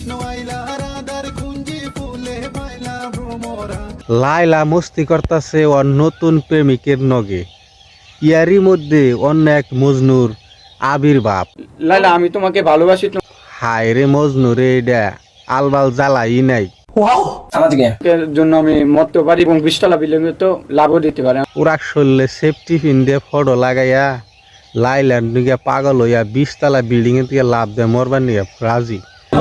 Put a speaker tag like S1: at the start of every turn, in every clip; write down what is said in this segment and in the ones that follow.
S1: লাইলা মস্তি করতেছে ওর নতুন প্রেমিকের নগে, ইয়ারই মধ্যে অন্য এক মজনুর আবির্ভাব।
S2: লাইলা, আমি তোমাকে ভালোবাসি।
S1: হায় রে মজনু রে, এটা আলবাল জ্বালাই নাই।
S2: এর জন্য আমি মরতে পারি এবং 20 বিল্ডিং তো লাভও দিতে পারে।
S1: ওরা শরীরে সেফটি পিন দিয়ে ফটো লাগাইয়া লাইলার নিয়ে পাগল হইয়া 20 বিল্ডিং এর থেকে লাভ দেয় মরবার নিয়ে রাজি।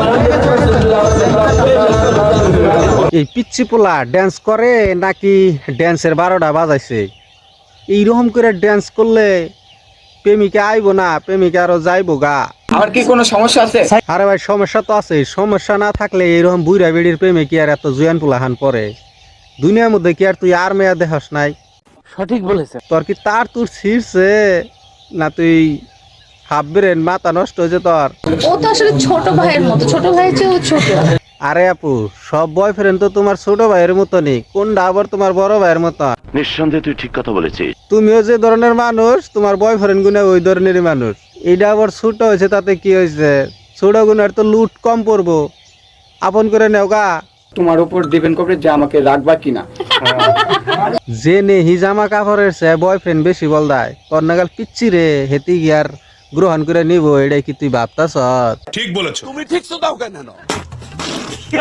S1: এই পিচ্ছি পোলা ড্যান্স করে নাকি ড্যান্সের 12টা বাজাইছে? এইরকম করে ড্যান্স করলে প্রেমিকা আইবো না, প্রেমিকা আরো যাইবো গা।
S2: আমার কি কোনো সমস্যা আছে?
S1: আরে ভাই সমস্যা তো আছে, সমস্যা না থাকলে এইরকম বুড়া বেড়ির প্রেমে কি আর এত জুয়ান পোলাহান পরে? দুনিয়ার মধ্যে কি আর তুই আর মেয়া দেখাস নাই?
S3: সঠিক বলেছে।
S1: তোর কি তার তোর ছিঁড়ছে না তুই হাফ ব্রেন মাথা নষ্ট হয়েছে তোর?
S4: ও তো আসলে ছোট ভাইয়ের মতো, ছোট ভাইয়ের চেয়েও ছোট।
S1: আরে আপু, সব বয়ফ্রেন্ড তো তোমার ছোট ভাইয়ের মতো নেই, কোনটা আবার তোমার বড় ভাইয়ের মতো?
S5: নিঃসন্দেহে তুই ঠিক কথা বলেছিস।
S1: তুমিও যে ধরনের মানুষ, তোমার বয়ফ্রেন্ড গুনে ওই ধরনেরই মানুষ। এইটা আবার ছোট হয়েছে তাতে কি হয়েছে? ছোট গুণের তো লুট কম পড়বো, আপন করে নেও গা।
S2: তোমার উপর ডিপেন্ড করবে যে আমাকে রাখবা কিনা।
S1: যে নেহি জামা কাপড়ের চেয়ে বয়ফ্রেন্ড বেশি বল দেয়, তোর নাগাল পিচ্ছি রে, হেতি গিয়ার গ্রহণ করে নিব, এটাই কি তুই ভাবতাছ?
S6: ঠিক বলেছো।
S3: তুমি ঠিক তো দাও কেন?